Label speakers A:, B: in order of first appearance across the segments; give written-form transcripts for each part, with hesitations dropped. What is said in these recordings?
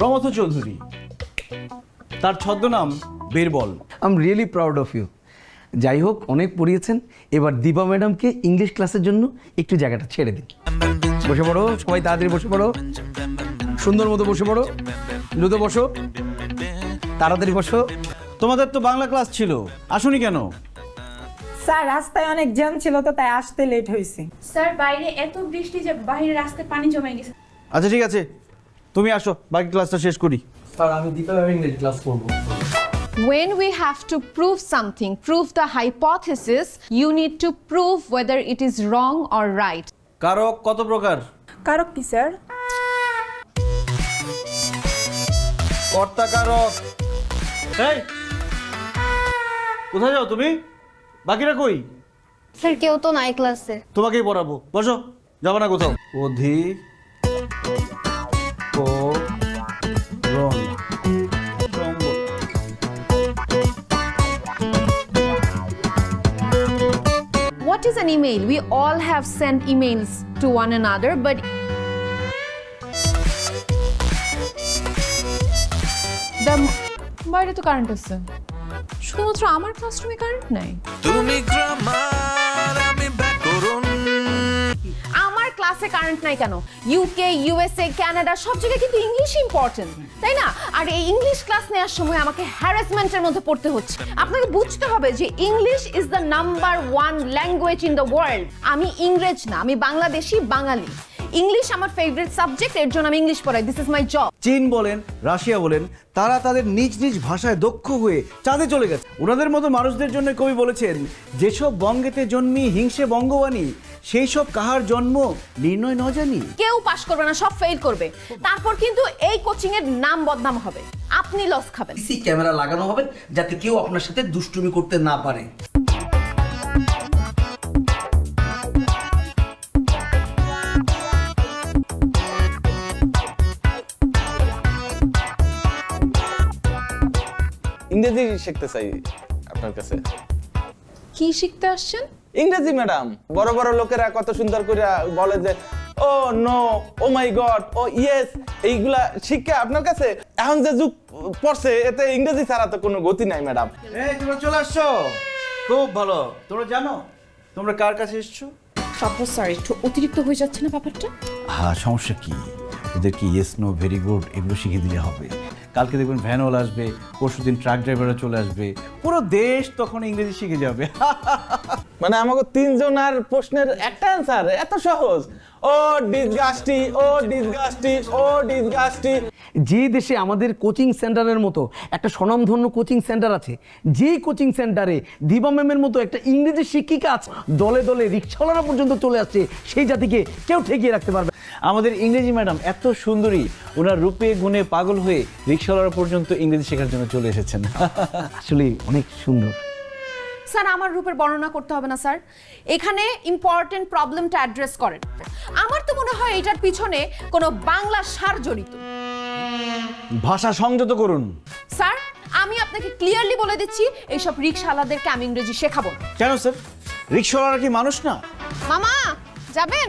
A: প্রমথ চৌধুরী, তার ছদ্মনাম Birbal.
B: I am really proud of you. যাই হোক, অনেক পড়িয়েছেন, এবার দীপা ম্যাডামকে ইংলিশ ক্লাসের জন্য একটু জায়গাটা ছেড়ে দিন। বসে পড়ো, সবাই তাড়াতাড়ি বসে পড়ো, সুন্দর মতো বসে পড়ো, দ্রুত বসো, তাড়াতাড়ি বসো।
A: তোমাদের তো বাংলা ক্লাস ছিল, আসুনি কেন?
C: স্যার রাস্তায় অনেক জ্যাম ছিল তো তাই আসতে লেট হয়েছে।
D: স্যার বাইরে এত বৃষ্টি যে বাইরে রাস্তায় পানি জমে গেছে।
A: আচ্ছা ঠিক আছে, তুমি আসো, বাকি ক্লাসটা শেষ করি।
B: স্যার আমি দীপা ম্যাম ইংলিশ ক্লাস করবো।
E: When we have to prove something, prove the hypothesis, you need to prove whether it is wrong or right.
A: কারক কত প্রকার?
C: কারক কি স্যার?
A: কর্তা কারক। এই, কোথায় যাও তুমি? বাকিরা কই?
F: স্যার কেউ তো নাই ক্লাসে।
A: তোমাকেই পড়াবো, বসো, যাবো না কোথাও। অধিক করণ সম্ভব।
E: What is an email? We all have sent emails to one another, but বাইরে তো কারেন্ট আছে, শুধুমাত্র আমার ক্লাসরুমে কারেন্ট নাই।
G: তুমি গ্রামার আমি ব্যাকরণ।
E: আমার ক্লাসে কারেন্ট নাই কেন? ইউকে, ইউএসএ, কানাডা সব জায়গায় কিন্তু ইংলিশ ইম্পর্টেন্ট, তাই না? আর এই ইংলিশ ক্লাস নেওয়ার সময় আমাকে হ্যারাসমেন্টের মধ্যে পড়তে হচ্ছে। আপনাকে বুঝতে হবে যে English is the number 1 language in the world. আমি ইংরেজ না, আমি বাংলাদেশি, বাঙালি। ইংলিশ আমার ফেভারিট সাবজেক্ট, এর জন্য আমি ইংলিশ পড়াই। This is my job.
A: চীন বলেন, রাশিয়া বলেন, তারা তাদের নিজ নিজ ভাষায় দক্ষ হয়ে চাঁদে চলে গেছে। ওনাদের মতো মানুষদের জন্য কবি বলেছেন, যেসব বঙ্গেতে জন্মি হিংসে বঙ্গবাণী, সেই সব কাহার জন্ম নির্ণয় ন জানি।
E: কেউ পাস করবে না, সব ফেল করবে। তারপর কিন্তু এই কোচিং এর নাম বদনাম হবে, আপনি লস খাবেন।
B: সিসি ক্যামেরা লাগানো হবে যাতে কেউ আপনার সাথে দুষ্টুমি করতে না পারে।
H: ইংরেজি শিখতে চাই আপনার কাছে।
E: কি শিখতে আসছেন?
H: ইংরেজি ম্যাডাম, বড় বড় লোকেরা কত সুন্দর করে বলে যে oh no, oh my god, oh yes, এইগুলা শিক্ষা আপনার কাছে এখন যে যুগ পড়ছে, এতে ইংরেজি ছাড়া তো কোনো গতি নাই ম্যাডাম।
A: এই তোমরা চলে আসছো, খুব ভালো। তোমরা জানো তোমরা কার কাছে এসছো?
D: তারপর স্যার একটু অতিরিক্ত হয়ে যাচ্ছে না ব্যাপারটা?
A: হ্যাঁ, সমস্যা কি? ওদেরকে ইয়েস নো ভেরি গুড এগুলো শিখিয়ে দিলে হবে। কালকে দেখবেন ভ্যানওয়ালা আসবে, পরশুদিন ট্রাক ড্রাইভাররা চলে আসবে, পুরো দেশ তখন ইংরেজি শিখে যাবে।
H: মানে আমাকে তিনজনের প্রশ্নের একটা অ্যান্সার এত সহজ। ও ডিসগাস্টি, ও ডিসগাস্টি, ও ডিসগাস্টি।
B: যে দেশে আমাদের কোচিং সেন্টারের মতো একটা স্বনামধন্য কোচিং সেন্টার আছে, যেই কোচিং সেন্টারে দীপা ম্যামের মতো একটা ইংরেজি শিক্ষিকা আছে, দলে দলে রিক্সাওয়ালারা পর্যন্ত চলে আসছে, সেই জাতিকে কেউ ঠেকিয়ে রাখতে পারবে।
A: আমাদের ইংরেজি ম্যাডাম এত সুন্দরী, ওনার রূপে গুণে পাগল হয়ে রিক্সাওয়ালারা পর্যন্ত ইংরেজি শেখার জন্য চলে এসেছেন।
B: আসলে অনেক সুন্দর।
E: স্যার আমার রূপের বর্ণনা করতে হবে না স্যার, এখানে ইম্পর্টেন্ট প্রবলেমটা অ্যাড্রেস করেন। আমার তো মনে হয় এটার পিছনে কোনো বাংলা সার জড়িত।
A: ভাষা সংযত করুন।
E: স্যার আমি আপনাকে ক্লিয়ারলি বলে দিচ্ছি, এইসব রিক্সাওয়ালাদেরকে আমি ইংরেজি শেখাবো না।
A: কেন স্যার? রিক্সাওয়ালারা কি মানুষ না?
E: মামা যাবেন?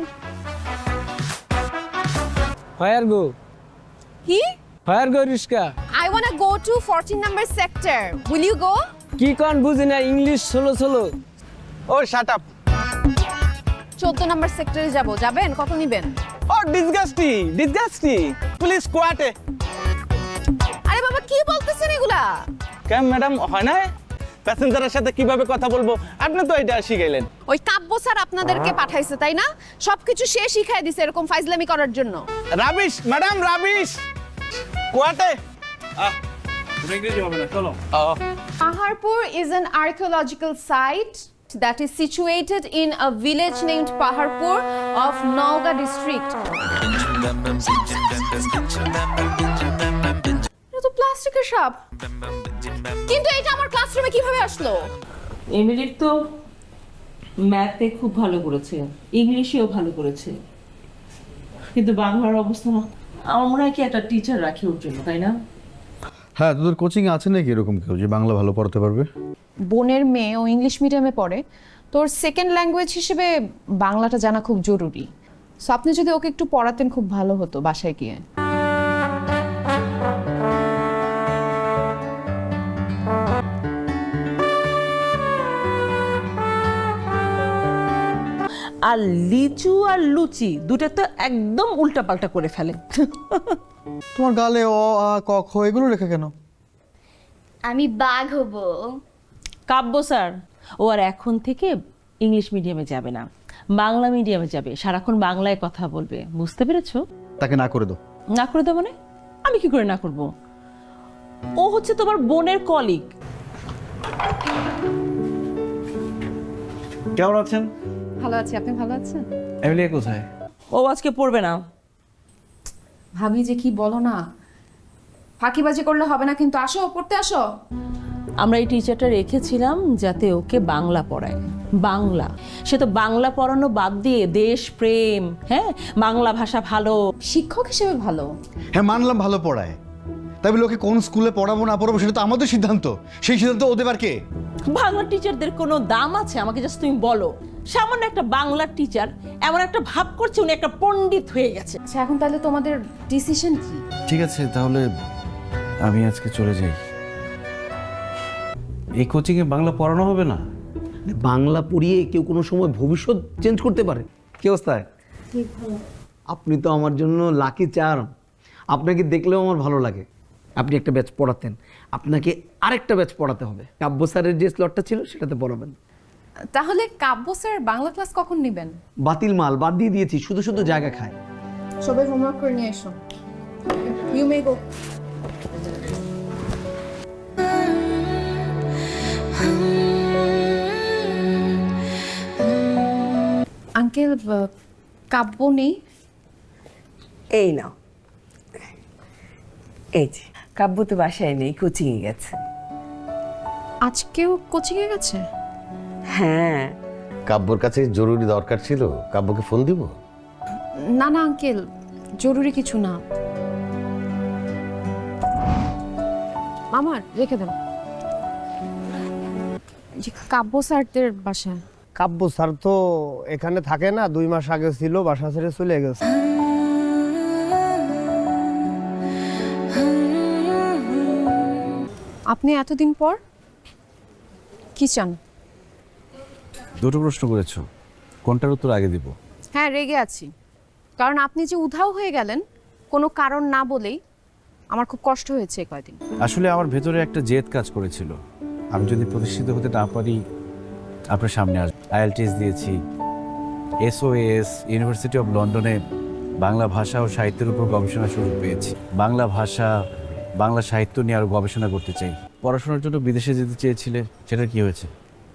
I: Where go?
E: কি?
I: Where go, Rishka?
E: I wanna go to 14 number sector. Will you go?
I: কি কন বুঝি না, ইংলিশ ষোলো ষোলো।
H: ও শাট আপ।
E: 14 নম্বর সেক্টরে যাব, যাবেন? কত নেবেন?
H: ও ডিসগাস্টি, ডিসগাস্টি, প্লিজ কোয়াটে।
E: আরে বাবা কি বলতেছেন এগুলা?
H: কেন ম্যাডাম হয় না? প্যাসেঞ্জারের সাথে কিভাবে কথা বলবো আপনি তো এটা শিখাইলেন।
E: ওই কাব্য স্যার আপনাদেরকে পাঠাইছে তাই না? সবকিছু সে শিখাই দিছে এরকম ফাইজলামি করার জন্য।
H: Rubbish madam, rubbish. কোয়াটে।
A: ইংরেজি হবে না, চলো।
E: Paharpur is an archaeological site that is situated in a village named Paharpur of Nauga district. এটা তো প্লাস্টিকের সাপ, কিন্তু এটা আমার ক্লাসরুমে কিভাবে আসলো?
J: এমিলির তো ম্যাথে খুব ভালো করেছে, ইংলিশেও ভালো করেছে, কিন্তু বাংলার অবস্থা না। আমার মনে হয় কি একটা টিচার রাখি ওর জন্য, তাই না?
K: হ্যাঁ, তোদের কোচিং আছে নাকি এরকম কেউ যে বাংলা ভালো পড়াতে পারবে?
E: বোনের মেয়ে ও ইংলিশ মিডিয়ামে পড়ে, তোর সেকেন্ড ল্যাঙ্গুয়েজ হিসেবে বাংলাটা জানা খুব জরুরি। সো আপনি যদি ওকে একটু পড়াতেন খুব ভালো হতো বাসায় গিয়ে।
J: আর লিচু আর লুচি দুটো তো একদম উল্টাপাল্টা করে ফেলে।
K: তোমার গালে অ আ ক খ এগুলো লেখা কেন?
F: আমি বাঘ হব।
J: কাব্য স্যার ও আর এখন থেকে ইংলিশ মিডিয়ামে যাবে না, বাংলা মিডিয়ামে যাবে, সারাক্ষণ বাংলায় কথা বলবে, বুঝতে পেরেছো?
K: তাকে না করে দাও।
J: না করে দেবো মানে? আমি কি করে না করব? ও হচ্ছে তোমার বোনের কলিগ।
A: কেমন আছেন?
E: ভালো আছি, আপনি ভালো আছেন?
A: এমিলিয়া কোথায়?
J: ও আজকে পড়বে না।
E: ভাবি যে কি বলো না, ফাঁকিবাজি করলে হবে না, কিন্তু আসো পড়তে আসো।
J: আমরা এই টিচারটা রেখেছিলাম যাতে ওকে বাংলা পড়ায়, বাংলা। সে তো বাংলা পড়ানো বাদ দিয়ে দেশ প্রেম, হ্যাঁ, বাংলা ভাষা ভালো।
E: শিক্ষক হিসেবে ভালো।
K: হ্যাঁ মানলাম ভালো পড়ায়, তাই বলে ওকে কোন স্কুলে পড়াবো না পড়াবো সেটা তো আমাদের সিদ্ধান্ত। সেই সিদ্ধান্ত ওদের দেবার কে?
J: বাংলা টিচারদের কোনো দাম আছে? আমাকে জাস্ট তুমি বলো। সামান্য একটা বাংলা টিচার এমন একটা ভাব করছে উনি একটা পণ্ডিত হয়ে গেছে।
E: আচ্ছা এখন তাহলে তোমাদের ডিসিশন কি?
A: ঠিক আছে, তাহলে আমি আজকে চলে যাই। এই কোচিংয়ে বাংলা পড়ানো হবে না?
B: বাংলা পড়িয়ে কেউ কোনো সময় ভবিষ্যৎ চেঞ্জ করতে পারে। কি অবস্থায়? আপনি তো আমার জন্য লাকি চার্ম। আপনাকে দেখলেও আমার ভালো লাগে। আপনি একটা ব্যাচ পড়াতেন, আপনাকে আরেকটা ব্যাচ পড়াতে হবে। কাব্য স্যারের যে স্লটটা ছিল সেটাতে পড়াবেন।
E: তাহলে কাব্য স্যার বাংলা ক্লাস কখন নেবেন?
B: বাতিল মাল, বাদ দিয়ে দিয়েছি, শুধু শুধু জায়গা খায়।
E: সবাই হোমওয়ার্ক করে নিয়ে এসো। You may go. আঙ্কেল, কাব্য নেই?
J: এই নাও, এই যে কাব্য তো বাসায় নেই, কোচিংয়ে গেছে।
E: আজকেও কোচিংয়ে গেছে?
J: হ্যাঁ।
L: কাব্যর কাছে জরুরি দরকার ছিল, কাব্যকে ফোন দিব?
E: না না আঙ্কেল, জরুরি কিছু না। আমার রেখে দেন। যে কাব্য স্যারদের বাসায়।
I: কাব্য স্যার তো এখানে থাকে না, 2 মাস আগে ছিল, বাসা ছেড়ে চলে গেছে।
E: আপনি এতদিন পর কি চান?
A: দুটো প্রশ্ন করেছো, কোনটার উত্তর আগে দিব?
E: হ্যাঁ, রেগে আছি, কারণ আপনি যে উধাও হয়ে গেলেন কোনো কারণ না বলেই, আমার খুব কষ্ট হয়েছে কয়দিন।
A: আসলে আমার ভেতরে একটা জেদ কাজ করেছিল। আমি যদি প্রতিষ্ঠিত হতে না পারি আপনার সামনে আসবো। আইএলটিএস দিয়েছি, SOAS ইউনিভার্সিটি অফ লন্ডনে বাংলা ভাষা ও সাহিত্যের উপর গবেষণা সুযোগ পেয়েছি। বাংলা ভাষা, বাংলা সাহিত্য নিয়ে আরও গবেষণা করতে চাই। পড়াশোনার জন্য বিদেশে যেতে চেয়েছিলে, সেটা কি হয়েছে?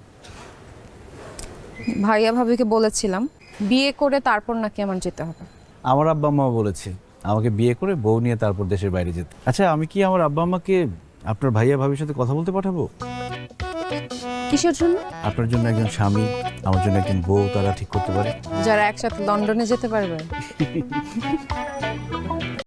E: ভাইয়া ভাবিকে বলেছিলাম বিয়ে করে তারপর নাকি আমার যেতে হবে।
A: আমার আব্বা আম্মা বলেছে আমাকে বিয়ে করে বউ নিয়ে তারপর দেশের বাইরে যেতে। আচ্ছা, আমি কি আমার আব্বা আম্মাকে আপনার ভাইয়া ভাবির সাথে কথা বলতে পাঠাবো?
E: কিসের জন্য?
A: আপনার জন্য একজন স্বামী, আমার জন্য একজন বউ, তারা ঠিক করতে পারে।
E: যারা একসাথে লন্ডনে যেতে পারবে।